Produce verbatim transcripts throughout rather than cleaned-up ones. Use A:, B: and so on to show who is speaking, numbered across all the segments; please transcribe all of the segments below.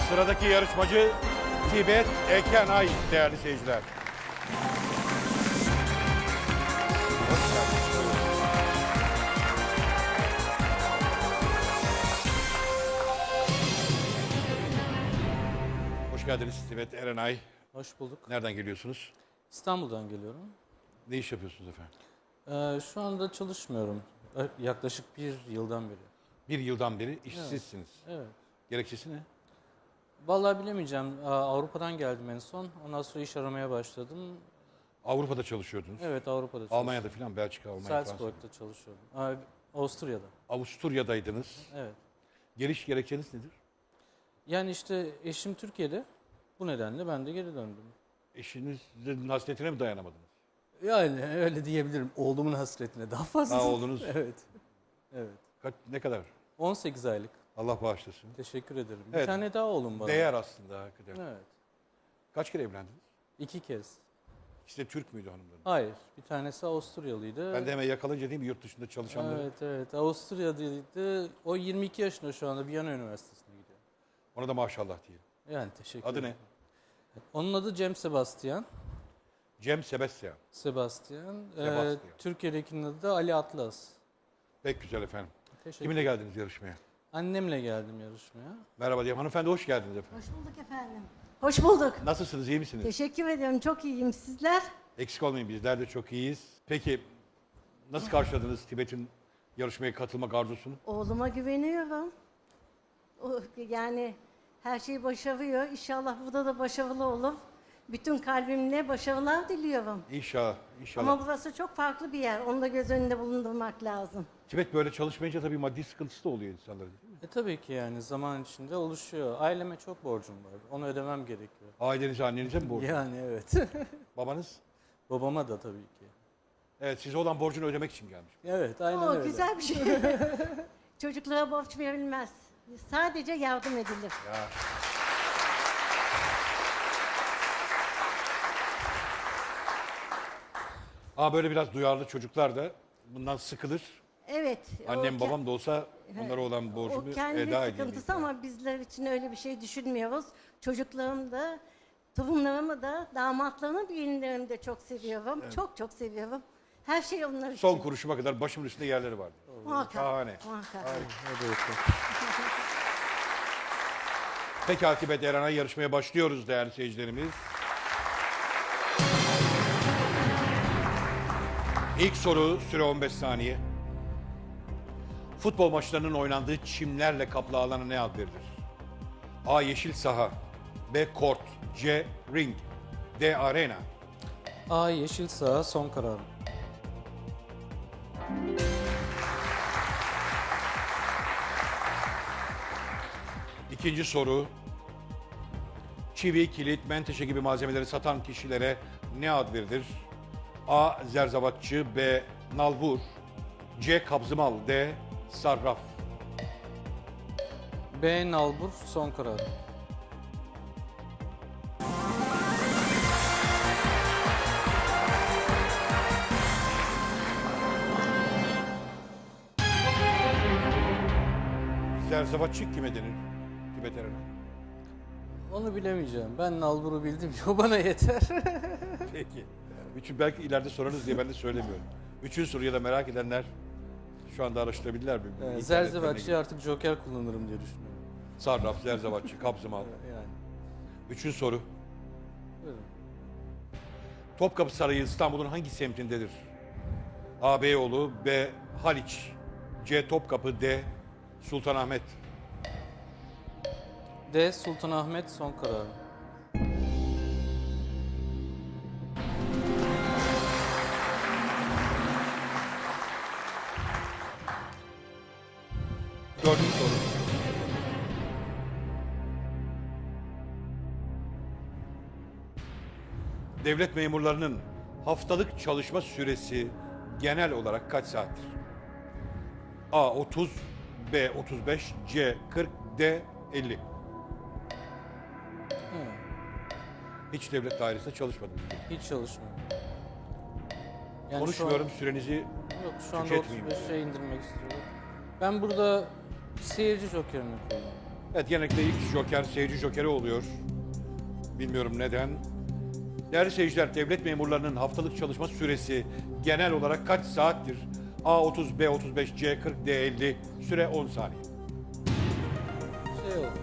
A: Sıradaki yarışmacı Tibet Ekenay değerli seyirciler. Hoş geldiniz. Hoş geldiniz Tibet Erenay.
B: Hoş bulduk.
A: Nereden geliyorsunuz?
B: İstanbul'dan geliyorum.
A: Ne iş yapıyorsunuz efendim?
B: Ee, şu anda çalışmıyorum. Ee, Yaklaşık bir yıldan beri.
A: Bir yıldan beri işsizsiniz.
B: Evet.
A: Gerekçesi ne?
B: Vallahi bilemeyeceğim. Aa, Avrupa'dan geldim en son. Ondan sonra iş aramaya başladım.
A: Avrupa'da çalışıyordunuz.
B: Evet, Avrupa'da çalışıyorum.
A: Almanya'da falan, Belçika, Almanya, Fransa.
B: Salzburg'da çalışıyorum. Aa, Avusturya'da.
A: Avusturya'daydınız.
B: Evet.
A: Geliş gerekçeniz nedir?
B: Yani işte eşim Türkiye'de. Bu nedenle ben de geri döndüm.
A: Eşinizin hasretine mi dayanamadınız?
B: Yani öyle diyebilirim. Oğlumun hasretine daha fazla.
A: Ha, oğlunuz.
B: Evet. Evet.
A: Kaç, ne kadar?
B: on sekiz aylık.
A: Allah bağışlasın.
B: Teşekkür ederim. Bir
A: Evet.
B: tane daha oğlum var.
A: Değer aslında hakikaten.
B: Evet.
A: Kaç kere evlendiniz?
B: İki kez.
A: İşte Türk müydü hanımların?
B: Hayır. Bir tanesi Avusturyalıydı.
A: Ben de hemen yakalayınca değil mi yurt dışında çalışanları?
B: Evet, evet. Avusturya'daydı. O yirmi iki yaşında şu anda Viyana Üniversitesi'ne gidiyor.
A: Ona da maşallah diyelim.
B: Yani teşekkür
A: Adı
B: ederim.
A: ne?
B: Onun adı Cem Sebastian.
A: Cem Sebastian.
B: Sebastian. Ee,
A: Sebastian.
B: Türkiye'dekinin adı da Ali Atlas.
A: Pek güzel efendim.
B: Teşekkür
A: Kiminle geldiniz yarışmaya?
B: Annemle geldim yarışmaya.
A: Merhaba diyeyim. Hanımefendi hoş geldiniz efendim.
C: Hoş bulduk efendim. Hoş bulduk.
A: Nasılsınız, iyi misiniz?
C: Teşekkür ederim. Çok iyiyim. Sizler?
A: Eksik olmayın, bizler de çok iyiyiz. Peki nasıl karşıladınız Tibet'in yarışmaya katılmak arzusunu?
C: Oğluma güveniyorum. O, yani her şeyi başarıyor. İnşallah burada da başarılı olur. Bütün kalbimle başarılar diliyorum.
A: İnşallah, inşallah.
C: Ama burası çok farklı bir yer. Onu da göz önünde bulundurmak lazım.
A: Tibet böyle çalışmayınca tabii maddi sıkıntısı da oluyor insanların değil mi?
B: E tabii ki yani zaman içinde oluşuyor. Aileme çok borcum var. Onu ödemem gerekiyor.
A: Ailenize, annenize mi borcu?
B: Yani evet.
A: Babanız?
B: Babama da tabii ki.
A: Evet, size olan borcunu ödemek için gelmiş.
B: Evet, aynen
C: O
B: öyle.
C: güzel bir şey. Çocuklara borç verilmez. Sadece yardım edilir.
A: Ya. Aa, böyle biraz duyarlı çocuklar da bundan sıkılır.
C: Evet.
A: Annem
C: o-
A: babam da olsa onlara olan
C: O
A: borcumu
C: kendi
A: eda edeyim.
C: sıkıntısı ama bizler için öyle bir şey düşünmüyoruz. Çocuklarım da, torunlarımı da, damatlarımı, gelinlerimi de çok seviyorum. Çok çok seviyorum. Her şey onlar için.
A: Son kuruşuma kadar başımın üstünde yerleri vardı.
C: Muhakkak.
A: Şahane.
C: Muhakkak.
B: Hadi bakalım.
A: Peki Tibet Erenay yarışmaya başlıyoruz değerli seyircilerimiz. İlk soru süre on beş saniye. Futbol maçlarının oynandığı çimlerle kaplı alana ne ad verilir? A. Yeşil saha. B. Kort. C. Ring. D. Arena.
B: A yeşil saha son kararım.
A: İkinci soru. Çivi, kilit, menteşe gibi malzemeleri satan kişilere ne ad verilir? A. Zerzavatçı. B. Nalbur. C. Kabzımal. D. Sarraf.
B: B nalbur son kararım.
A: Zerzavatçı kime denir? Tibet Erenay.
B: Onu bilemeyeceğim. Ben nalburu bildim. O bana yeter.
A: Peki. Üçün belki ileride sorarız diye ben de söylemiyorum. Üçüncü soruyu da merak edenler şu anda araştırabilirler mi?
B: Yani
A: İnternetten
B: Zerzevatçı'ya
A: ne
B: artık joker kullanırım diye düşünüyorum.
A: gibi. Sarraf, Zerzavatçı, Kabzımal.
B: Yani.
A: Üçüncü soru.
B: Buyurun.
A: Topkapı Sarayı İstanbul'un hangi semtindedir? A. Beyoğlu, B. Haliç, C. Topkapı, D. Sultanahmet.
B: D Sultanahmet son kararım.
A: Dördüncü soru. Devlet memurlarının haftalık çalışma süresi genel olarak kaç saattir? A. otuz, B. otuz beş, C. kırk, D. elli.
B: Hı,
A: Hiç devlet dairesinde çalışmadım.
B: hiç çalışmıyorum. Yani
A: Konuşmuyorum,
B: Şu
A: sürenizi
B: an, yok şu anda
A: tüketmeyeyim
B: otuz beşe indirmek istiyorum. Ben burada seyirci jokerini kullanıyorum.
A: Evet, genellikle ilk joker seyirci jokeri oluyor. Bilmiyorum neden. Değerli seyirciler, devlet memurlarının haftalık çalışma süresi genel olarak kaç saattir? A otuz, B otuz beş, C kırk, D elli. Süre on saniye.
B: Şey oldu.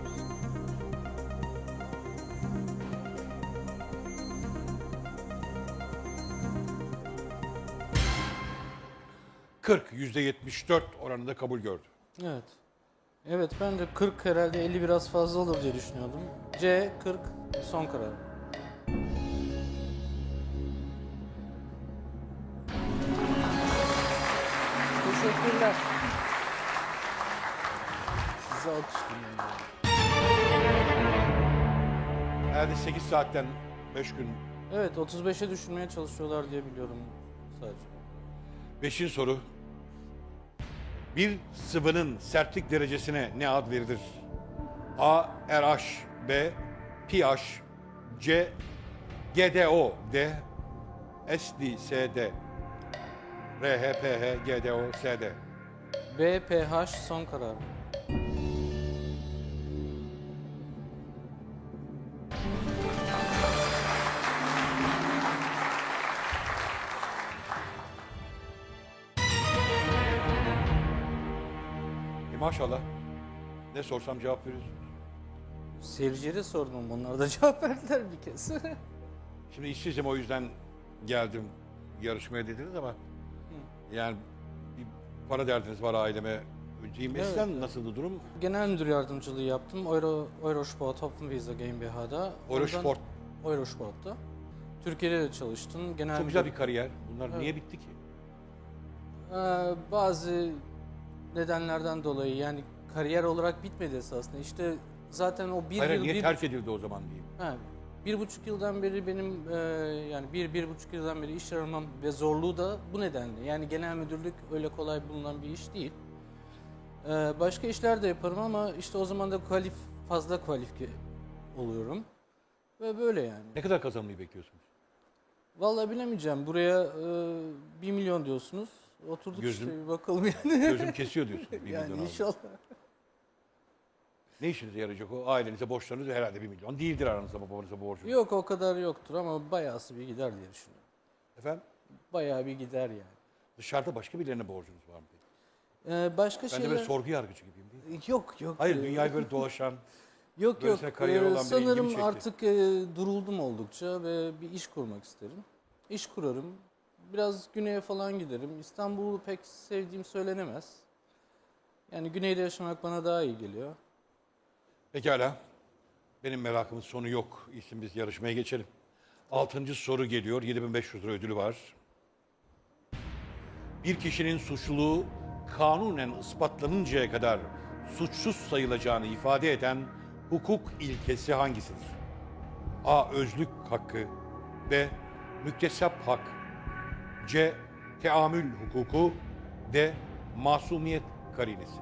A: kırk, yüzde yetmiş dört oranında kabul gördü.
B: Evet. Evet, ben de kırk herhalde elli biraz fazla olur diye düşünüyordum. C kırk son karar. Teşekkürler. Size alkışlıyorum.
A: Herhalde sekiz saatten beş gün.
B: Evet, otuz beşe düşürmeye çalışıyorlar diye biliyorum sadece.
A: Beşinci soru. Bir sıvının sertlik derecesine ne ad verilir? A. R H, B. pH, C. G D O, D. S D, S D. R H, P H, G D O, S D.
B: B pH son karar.
A: E maşallah. Ne sorsam cevap veriyorsunuz.
B: Seyircilere sordum, onlar da cevap verdiler bir kez.
A: Şimdi işsizim, o yüzden geldim yarışmaya dediniz ama yani bir para derdiniz var aileme. Önceyim.
B: Evet,
A: Eskiden
B: evet.
A: nasıldı durum?
B: Genel müdür yardımcılığı yaptım. Euro, Eurosport Hopfenwiese GmbH'da.
A: Eurosport.
B: Ondan- Eurosport'ta. Türkiye'de de çalıştım. Genel
A: Çok
B: müdür-
A: güzel bir kariyer. Bunlar
B: Evet.
A: niye bitti ki?
B: Ee, bazı nedenlerden dolayı, yani kariyer olarak bitmedi esasında. İşte zaten o bir
A: Hayır,
B: yıl,
A: niye
B: bir,
A: terk edildi o zaman diyeyim.
B: ha, bir buçuk yıldan beri benim e, yani bir, bir buçuk yıldan beri iş aramam ve zorluğu da bu nedenle. Yani genel müdürlük öyle kolay bulunan bir iş değil. Ee, başka işler de yaparım ama işte o zaman da kualif, fazla kualifiye oluyorum. Ve böyle yani.
A: Ne kadar kazanmayı bekliyorsunuz?
B: Vallahi bilemeyeceğim. Buraya e, bir milyon diyorsunuz. Oturduk
A: Gözüm-
B: işte bir bakalım yani.
A: Gözüm kesiyor diyorsun. Bir milyon
B: yani
A: aldım.
B: inşallah.
A: Ne işinize yarayacak o? Ailenize borçlarınız herhalde bir milyon. Değildir aranızda babanıza borcunuz.
B: Yok, o kadar yoktur ama bayağısı bir gider diye düşünüyorum.
A: Efendim?
B: Bayağı bir gider yani.
A: Dışarıda başka birilerine borcunuz var mı peki?
B: Ee, başka
A: Ben de
B: şeyler...
A: böyle sorgu yargıcı gibiyim değil mi?
B: Yok yok.
A: Hayır,
B: Ee,
A: dünyayı böyle dolaşan,
B: Yok yok.
A: böylesine kariyeri
B: Ee,
A: olan biri ilgimi
B: sanırım
A: çekti.
B: artık e, duruldum oldukça ve bir iş kurmak isterim. İş kurarım. Biraz güneye falan giderim. İstanbul'u pek sevdiğim söylenemez. Yani güneyde yaşamak bana daha iyi geliyor.
A: Pekala. Benim merakımın sonu yok. İsim biz yarışmaya geçelim. Altıncı soru geliyor. yedi bin beş yüz lira ödülü var. Bir kişinin suçluluğu kanunen ispatlanıncaya kadar suçsuz sayılacağını ifade eden hukuk ilkesi hangisidir? A. Özlük hakkı. B. Müktesap hak. C. Teamül hukuku. D. Masumiyet karinesi.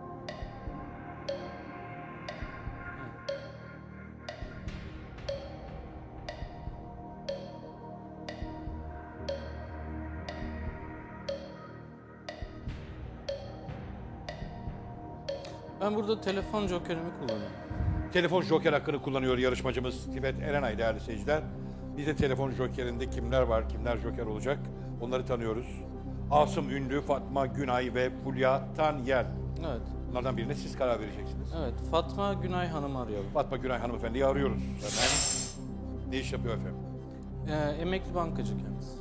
B: Ben burada telefon jokerimi kullanıyorum.
A: Telefon joker hakkını kullanıyor yarışmacımız Tibet Erenay değerli seyirciler. Bir de telefon jokerinde kimler var, kimler joker olacak onları tanıyoruz. Asım Ünlü, Fatma Günay ve Fulya Tanyel.
B: Evet.
A: Bunlardan birine siz karar vereceksiniz.
B: Evet. Fatma Günay Hanım'ı arayalım.
A: Fatma Günay hanımefendiyi arıyoruz. Hemen. Ne iş yapıyor efendim?
B: Ee, emekli bankacı kendisi.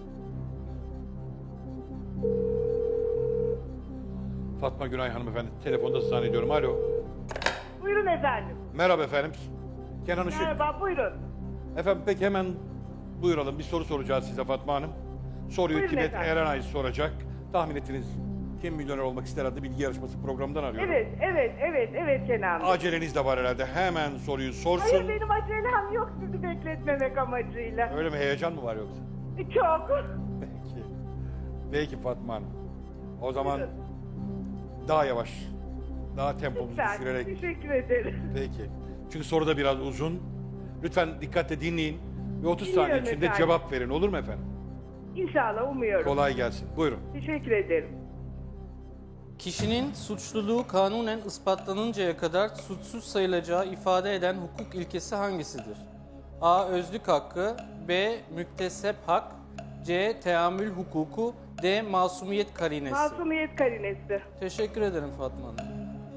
A: Fatma Günay hanımefendi telefonda zannediyorum. Alo.
D: Buyurun efendim.
A: Merhaba efendim. Kenan Işık.
D: Merhaba, buyurun.
A: Efendim peki hemen buyuralım. Bir soru soracağız size Fatma Hanım. Soruyu
D: Buyurun
A: Tibet
D: efendim.
A: Erenay soracak. Tahmin ettiniz kim milyoner olmak ister adlı bilgi yarışması programından arıyorum.
D: Evet, evet, evet, evet Kenan Bey.
A: Aceleniz de var herhalde. Hemen soruyu sorsun.
D: Hayır, benim acelem yok sizi bekletmemek amacıyla.
A: Öyle mi? Heyecan mı var yoksa?
D: Çok.
A: Peki. Peki Fatma Hanım. O zaman
D: Buyurun.
A: daha yavaş, daha tempomuzu
D: Lütfen,
A: düşürerek.
D: teşekkür ederim.
A: Peki. Çünkü soru da biraz uzun. Lütfen dikkatle dinleyin ve otuz saniye
D: Dinliyorum
A: içinde
D: efendim.
A: cevap verin. Olur mu efendim?
D: İnşallah, umuyorum.
A: Kolay gelsin. Buyurun.
D: Teşekkür ederim.
B: Kişinin suçluluğu kanunen ispatlanıncaya kadar suçsuz sayılacağı ifade eden hukuk ilkesi hangisidir? A. Özlük hakkı, B. Müktesep hak, C. Teamül hukuku, D. Masumiyet karinesi.
D: Masumiyet karinesi.
B: Teşekkür ederim Fatma Hanım.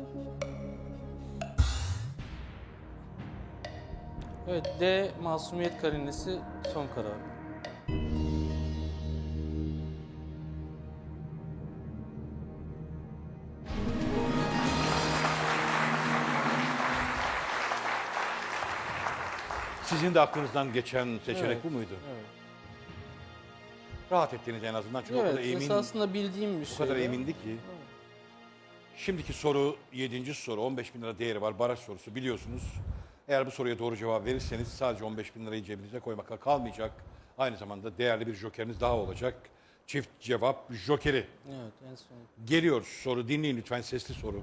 B: Evet, D. Masumiyet karinesi son karar.
A: Sizin de aklınızdan geçen seçenek
B: Evet,
A: bu muydu?
B: Evet,
A: Rahat ettiniz en azından çünkü o kadar
B: evet
A: emin,
B: esasında bildiğim bir
A: o
B: şey.
A: kadar emindi ki. Şimdiki soru yedinci soru, on beş bin lira değeri var, baraj sorusu biliyorsunuz. Eğer bu soruya doğru cevap verirseniz sadece on beş bin lirayı cebinize koymakla kalmayacak. Aynı zamanda değerli bir jokeriniz daha olacak. Çift cevap jokeri.
B: Evet, en son.
A: Geliyor soru, dinleyin lütfen, sesli soru.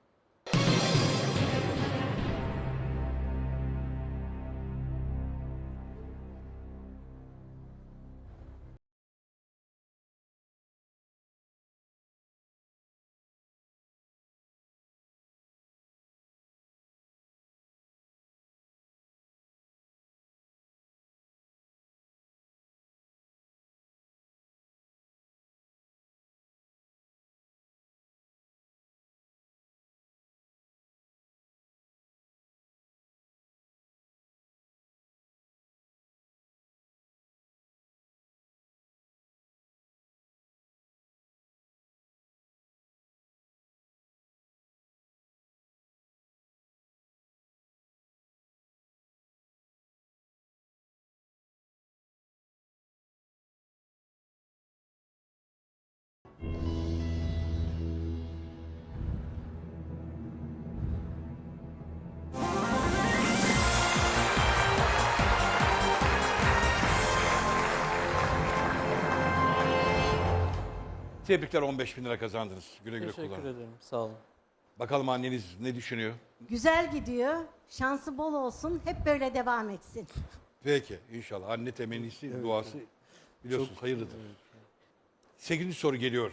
A: Tebrikler, on beş bin lira kazandınız. Güle güle
B: Teşekkür
A: kullanın.
B: ederim, sağ olun.
A: Bakalım anneniz ne düşünüyor?
C: Güzel gidiyor. Şansı bol olsun. Hep böyle devam etsin.
A: Peki, inşallah. Anne temennisi, duası biliyorsunuz hayırlıdır. Sekizinci soru geliyor.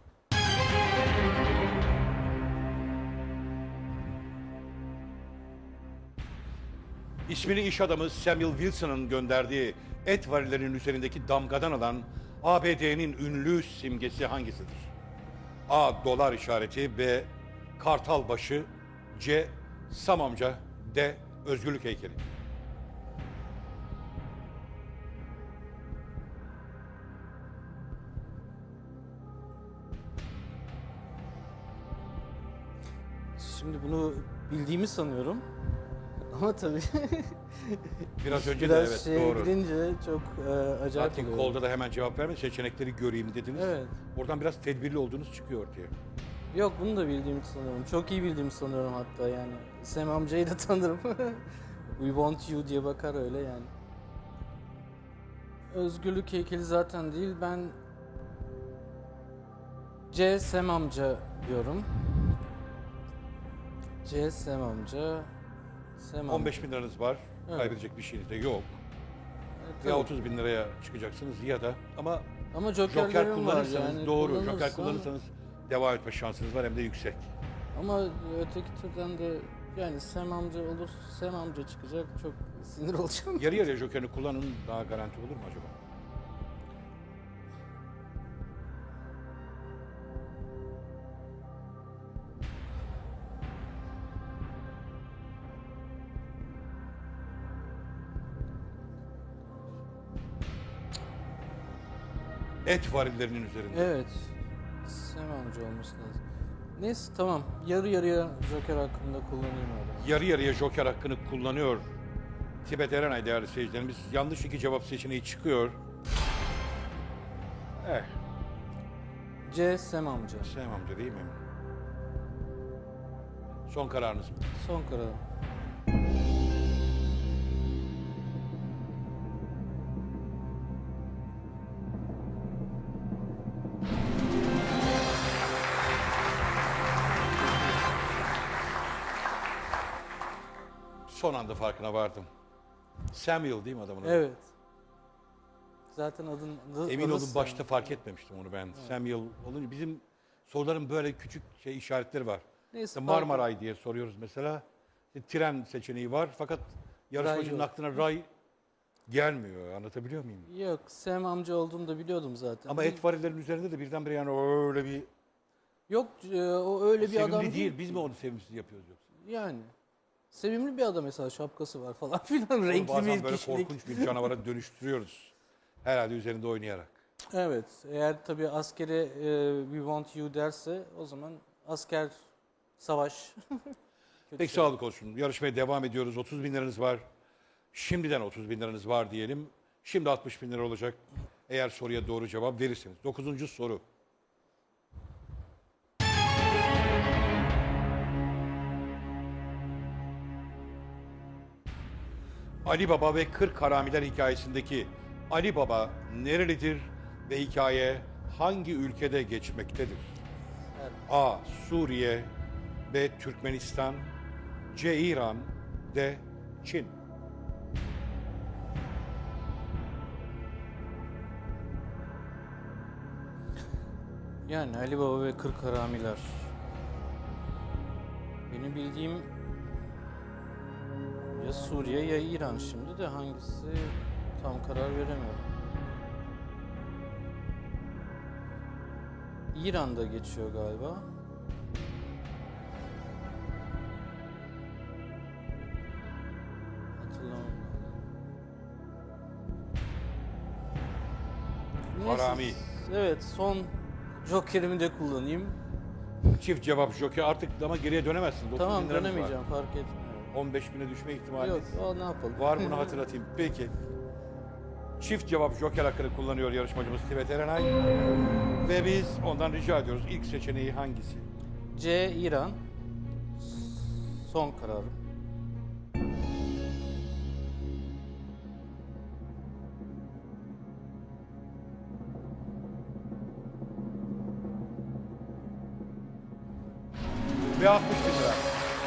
A: İsmini iş adamı Samuel Wilson'ın gönderdiği et varillerinin üzerindeki damgadan alan A B D'nin ünlü simgesi hangisidir? A. Dolar işareti, B. Kartal başı, C. Sam amca, D. Özgürlük heykeli.
B: Şimdi bunu bildiğimi sanıyorum. Ama tabii
A: Biraz önce
B: biraz
A: de evet
B: şeye
A: doğru.
B: girince çok e, acayip
A: Zaten
B: oluyor.
A: kolda da hemen cevap verme, seçenekleri göreyim dediniz.
B: Evet.
A: Oradan biraz tedbirli olduğunuz çıkıyor ortaya.
B: Yok, bunu da bildiğimi sanıyorum. Çok iyi bildiğimi sanıyorum hatta yani. Sam amcayı da tanırım. We want you diye bakar öyle yani. Özgürlük heykeli zaten değil. Ben C. Sam amca diyorum. C. Sam amca. Sam
A: on beş bin liranız var,
B: Evet.
A: kaybedecek bir şeyiniz de yok.
B: Evet,
A: Ya
B: tabii.
A: otuz bin liraya çıkacaksınız ya da ama
B: Ama
A: joker
B: jokerlerim var
A: kullanırsanız
B: yani.
A: doğru, joker
B: Kullanırsam-
A: kullanırsanız devam etme şansınız var hem de yüksek.
B: Ama öteki türden de yani Sam amca olur, Sam amca çıkacak, çok sinir olacağım.
A: Yarı yarıya jokerini kullanın, daha garanti olur mu acaba? Et varillerinin üzerinde.
B: Evet, Sam amca olması lazım. Neyse tamam, yarı yarıya joker hakkında kullanayım öyle.
A: Yarı yarıya joker hakkını kullanıyor. Tibet Erenay değerli seyircilerimiz. Yanlış iki cevap seçeneği çıkıyor. Eh,
B: C. Sam amca.
A: Sayın amca değil mi? Son kararınız mı?
B: Son karar.
A: Son anda farkına vardım. Samuel değil mi adamın adı?
B: Evet. Zaten adın... adı-
A: Emin
B: adı
A: olun
B: Sam.
A: başta fark etmemiştim onu ben. Samuel olunca bizim Soruların böyle küçük şey işaretleri var.
B: Neyse,
A: İşte
B: fark-
A: Marmaray diye soruyoruz mesela. İşte tren seçeneği var fakat yarışmacının
B: yok.
A: aklına ray gelmiyor. Anlatabiliyor muyum?
B: Yok, Sam amca olduğunu da biliyordum zaten.
A: Ama et varillerin üzerinde de birdenbire yani öyle bir
B: Yok, e, o öyle bir
A: sevimli
B: adam
A: değil.
B: değil.
A: Biz mi onu sevimsiz yapıyoruz yoksa?
B: Yani. Sevimli bir adam mesela, şapkası var falan filan.
A: Onu
B: Renkli
A: bazen
B: bir
A: böyle
B: kişilik.
A: korkunç bir canavara dönüştürüyoruz. Herhalde üzerinde oynayarak.
B: Evet. Eğer tabii askere e, we want you derse o zaman asker savaş. Kötü
A: Peki
B: şey.
A: sağlık olsun. Yarışmaya devam ediyoruz. otuz bin liranız var. Şimdiden otuz bin liranız var diyelim. Şimdi altmış bin lira olacak. Eğer soruya doğru cevap verirseniz. Dokuzuncu soru. Ali Baba ve Kırk Haramiler hikayesindeki Ali Baba nerelidir ve hikaye hangi ülkede geçmektedir? A. Suriye, B. Türkmenistan, C. İran, D. Çin.
B: Yani Ali Baba ve Kırk Haramiler. Benim bildiğim ya Suriye ya İran, şimdi de hangisi tam karar veremiyorum. İran'da geçiyor galiba. Hatırlamam lazım. Neyse,
A: Harami.
B: evet, son jokerimi de kullanayım.
A: Çift cevap joker artık ama geriye dönemezsin. dokuz
B: Tamam,
A: bin liranız var.
B: dönemeyeceğim, fark etmiyor.
A: on beş bine düşme ihtimali
B: Yok, o ne yapalım.
A: var, bunu hatırlatayım. Peki. Çift cevap joker hakkını kullanıyor yarışmacımız Tivet Erenay. Ve biz ondan rica ediyoruz. İlk seçeneği hangisi?
B: C. İran. Son kararım.
A: Ve altmış bin lira.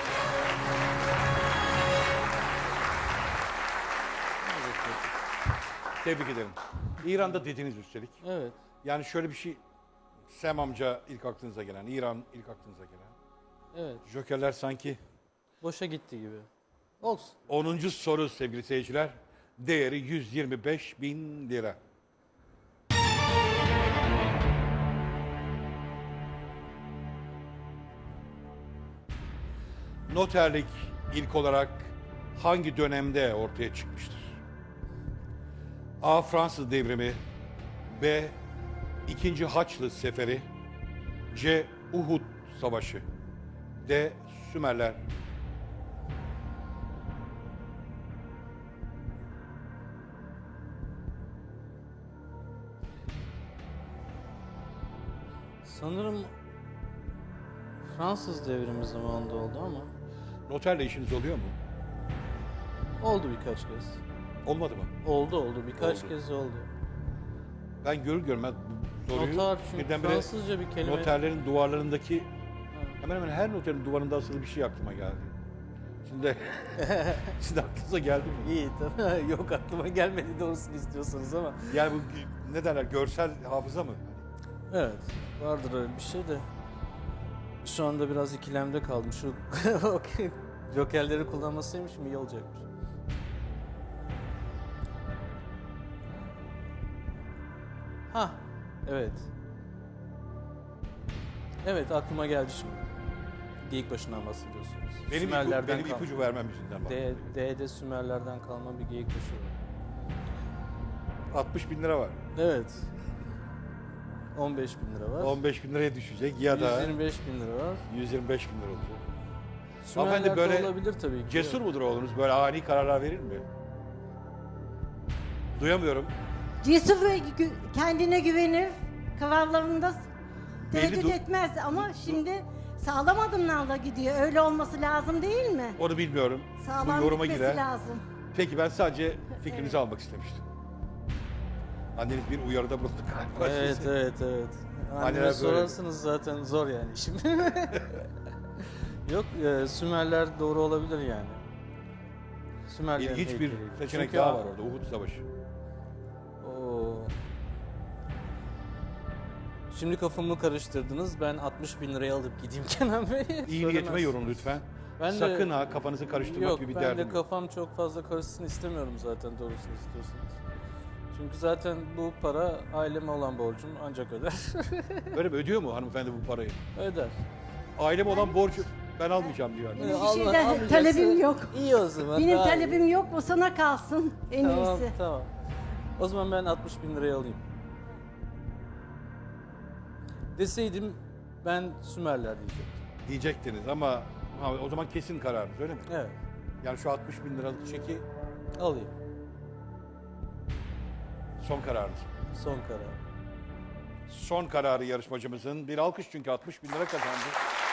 A: Tebrik ederim. İran'da dediniz üstelik.
B: Evet.
A: Yani şöyle bir şey, Sem amca ilk aklınıza gelen, İran ilk aklınıza gelen.
B: Evet.
A: Jokerler sanki.
B: Boşa gitti gibi. Olsun.
A: onuncu soru sevgili seyirciler. Değeri yüz yirmi beş bin lira. Noterlik ilk olarak hangi dönemde ortaya çıkmıştır? A. Fransız devrimi, B. İkinci Haçlı Seferi, C. Uhud Savaşı, D. Sümerler.
B: Sanırım Fransız devrimi zamanında oldu ama
A: Noterle işiniz oluyor mu?
B: oldu birkaç kez.
A: Olmadı mı?
B: Oldu oldu birkaç
A: Oldu.
B: kez oldu.
A: Ben görür görmez bu soruyu
B: Noter, çünkü
A: birdenbire
B: Fransızca bir kelime.
A: noterlerin duvarlarındaki hemen hemen her noterin duvarında asılı bir şey aklıma geldi. Şimdi sizin aklınıza geldi mi?
B: İyi tamam. Yok, aklıma gelmedi doğrusunu istiyorsanız ama.
A: Yani bu ne derler, görsel hafıza mı?
B: Evet, vardır öyle bir şey de. Şu anda biraz ikilemde kaldım. Şu jokerleri kullanmasaymışım iyi olacakmış. Ha, evet. Evet, aklıma geldi şimdi. Geyik başından bahsediyorsunuz.
A: Benim, ipu,
B: Sümerlerden
A: benim
B: kal-
A: ipucu vermem yüzünden bak.
B: D, D'de Sümerlerden kalma bir geyik başı var.
A: altmış bin lira var.
B: Evet. on beş bin lira var.
A: on beş bin liraya düşecek ya da
B: yüz yirmi beş bin lira var.
A: yüz yirmi beş bin lira olacak.
B: Sümerler'de
A: böyle
B: olabilir tabii ki.
A: Cesur mudur oğlunuz? Böyle ani kararlar verir mi? Duyamıyorum.
C: Cesur ve gü- kendine güvenir. Kararlarında tereddüt
A: du-
C: etmez ama şimdi sağlam adımlarla gidiyor. Öyle olması lazım değil mi?
A: Onu bilmiyorum.
C: Sağlam
A: Bu yoruma
C: gitmesi
A: girer.
C: lazım.
A: Peki ben sadece fikrinizi almak istemiştim. Anneniz bir uyarıda bulundu galiba.
B: Evet
A: size.
B: evet evet.
A: Anneler
B: Anneme
A: böyle.
B: sorarsınız zaten zor yani şimdi. Yok, e, Sümerler doğru olabilir yani. Sümerlerin
A: İlginç bir
B: heykeli.
A: seçenek
B: Çünkü
A: daha
B: a-
A: var orada. Uhud Savaşı.
B: Oo. Şimdi kafamı karıştırdınız. Ben altmış bin liraya alıp gideyim Kenan Bey.
A: İyi niyetime
B: Söylemez.
A: yorun lütfen.
B: Ben de-
A: Sakın ha kafanızı karıştırmak
B: Yok,
A: gibi bir
B: ben
A: derdim
B: de
A: yok.
B: kafam çok fazla karışsın istemiyorum zaten doğrusunu istiyorsanız. Çünkü zaten bu para aileme olan borcum ancak öder.
A: Böyle mi? Ödüyor mu hanımefendi bu parayı?
B: öder.
A: Ailem olan borcu ben almayacağım diyor.
C: Benim bir
B: Alma-
C: şeyden
B: almayacaksa
C: talebim yok.
B: İyi o zaman.
C: Benim
B: daha iyi.
C: talebim yok, o sana kalsın en
B: Tamam,
C: iyisi.
B: tamam. O zaman ben altmış bin liraya alayım. Deseydim ben Sümerler diyecektim.
A: Diyecektiniz ama ha, o zaman kesin kararınız öyle mi?
B: Evet,
A: Yani şu altmış bin liralık çeki
B: alayım.
A: son kararınız.
B: Son karar.
A: Son kararı yarışmacımızın. Bir alkış çünkü altmış bin lira kazandı.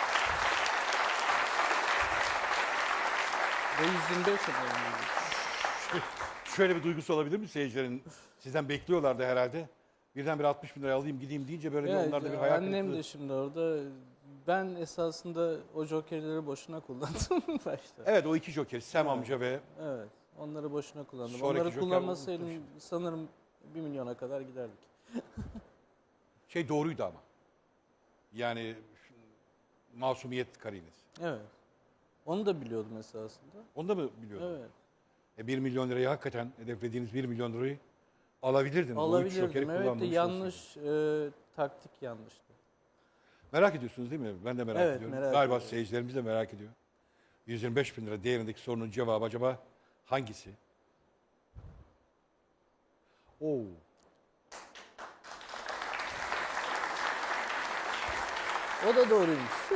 B: Ve yüz yirmi beş yapalım.
A: Şöyle bir duygusu olabilir mi seyircilerin? Sizden bekliyorlardı herhalde. Birden bir altmış bin lira alayım gideyim deyince böyle bir
B: Evet,
A: onlarda bir hayal
B: annem
A: kırıklığı.
B: de şimdi orada. Ben esasında o jokerleri boşuna kullandım başta.
A: Evet o iki joker Sam amca ve
B: Evet, onları boşuna kullandım.
A: Sonraki
B: onları
A: joker
B: kullanmasaydım
A: unuttum
B: sanırım bir milyona kadar giderdik.
A: şey doğruydu ama. Yani şu- masumiyet karinesi.
B: Evet. Onu da biliyordum esasında.
A: Onu da mı biliyordun?
B: Evet.
A: E, bir milyon lirayı hakikaten hedeflediğiniz bir milyon lirayı alabilirdiniz. O üç jokeri
B: Alabilirdim. Evet de
A: kullanmamış
B: yanlış e, taktik yanlıştı.
A: Merak ediyorsunuz değil mi? Ben de merak
B: Evet,
A: ediyorum.
B: merak
A: Galiba
B: ediyorum.
A: seyircilerimiz de merak ediyor. yüz yirmi beş bin lira değerindeki sorunun cevabı acaba hangisi? Oo.
B: O da doğruymuş.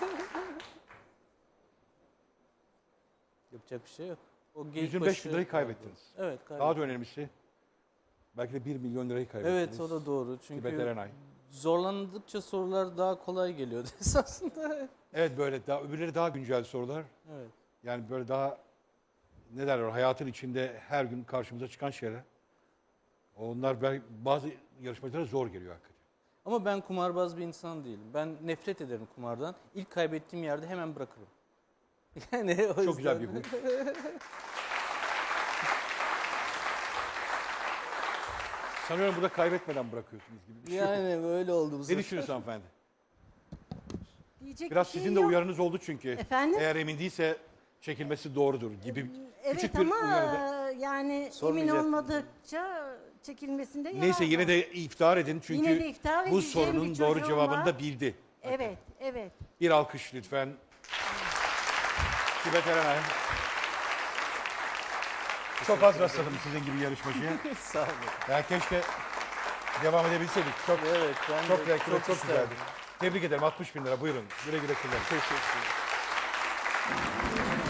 B: Yapacak bir şey yok. O geyik
A: yüz yirmi beş bin
B: başı-
A: lirayı kaybettiniz.
B: Evet,
A: Daha
B: kaybettim.
A: da önemlisi belki de bir milyon lirayı kaybettiniz.
B: Evet, o da doğru.
A: Tibet
B: Çünkü
A: Erenay.
B: zorlandıkça sorular daha kolay geliyordu esasında.
A: Evet böyle daha, öbürleri daha güncel sorular.
B: Evet.
A: Yani böyle daha ne derler hayatın içinde her gün karşımıza çıkan şeyler. Onlar belki bazı yarışmacılara zor geliyor hakikaten.
B: Ama ben kumarbaz bir insan değilim. Ben nefret ederim kumardan. İlk kaybettiğim yerde hemen bırakırım. Yani o
A: Çok güzel bir
B: yüzden-
A: huy. Sanıyorum burada kaybetmeden bırakıyorsunuz gibi bir şey.
B: Yani böyle oldu bu
A: Ne
B: sefer.
A: düşünüyorsun hanımefendi?
C: Diyecek
A: Biraz
C: bir şey
A: sizin de
C: yok.
A: uyarınız oldu çünkü.
C: Efendim?
A: Eğer emin değilse çekilmesi doğrudur gibi
C: Evet
A: küçük bir
C: ama
A: uyarıda.
C: yani emin
B: Sormayacaktım.
C: olmadıkça çekilmesinde yarar
A: Neyse
C: var.
A: yine de iftihar edin çünkü
C: Yine de iftihar
A: bu
C: edeceğim
A: sorunun
C: bir
A: doğru
C: çocuğum
A: cevabını
C: var.
A: da bildi.
C: Evet, evet.
A: Bir alkış lütfen. Tibet Erenay. Çok az rastladım sizin gibi yarışmacıya.
B: Sağ olun.
A: Ya keşke devam edebilseydik. Çok
B: Evet, ben
A: çok
B: de
A: renkli, çok, çok
B: isterdim.
A: güzeldi. Tebrik ederim. altmış bin lira buyurun. Güle güle kullanın.
B: Teşekkür ederim.